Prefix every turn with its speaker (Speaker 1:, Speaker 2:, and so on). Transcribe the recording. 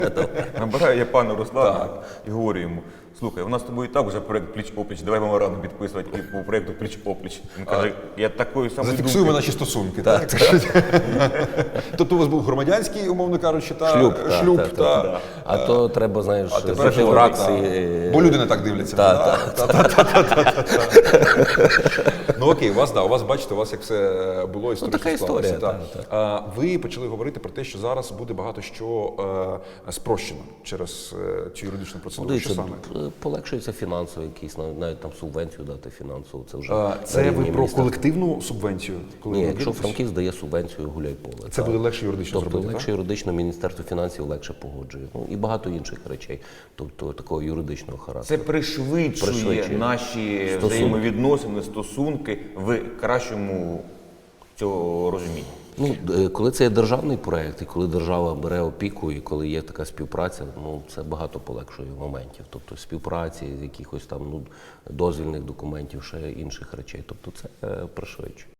Speaker 1: Набираю я пана Руслана і говорю йому: слухай, у нас з тобою і так вже проєкт пліч-опліч, давай меморандум підписувати по проєкту пліч-опліч. Він каже, я такої самої
Speaker 2: Зафіксуємо
Speaker 1: думки.
Speaker 2: наші стосунки, так? Тобто у вас був громадянський, умовно кажучи, шлюб.
Speaker 3: А то треба, знаєш,
Speaker 2: Тепер
Speaker 3: жити
Speaker 2: що
Speaker 3: в
Speaker 2: робити,
Speaker 3: раксі.
Speaker 2: бо люди не так дивляться. Ну окей, у вас, бачите, у вас як все було історично
Speaker 3: така історія,
Speaker 2: склалося. Ви почали говорити про те, що зараз буде багато що спрощено через цю юридичну процедуру. Що
Speaker 3: Дивіться,
Speaker 2: саме?
Speaker 3: полегшується фінансово якісь, навіть там субвенцію дати фінансову. Це вже
Speaker 2: Це
Speaker 3: на
Speaker 2: ви
Speaker 3: рівні
Speaker 2: про
Speaker 3: міністерства.
Speaker 2: колективну субвенцію? Коли
Speaker 3: Ні,
Speaker 2: ви
Speaker 3: якщо
Speaker 2: об'єднуєтесь?
Speaker 3: Франківськ дає субвенцію гуляй-поле.
Speaker 2: Це буде легше юридично
Speaker 3: Тобто
Speaker 2: зробити,
Speaker 3: легше юридично, Міністерство фінансів легше погоджує. Ну, і багато інших речей, тобто такого юридичного
Speaker 1: Це
Speaker 3: характеру.
Speaker 1: пришвидшує наші взаємовідносини, стосунки в кращому цього розумінні.
Speaker 3: Ну, коли це є державний проєкт, і коли держава бере опіку, і коли є така співпраця, ну, це багато полегшує моментів. Тобто співпраці, якихось там дозвільних документів, ще інших речей. Тобто це пришвидшує.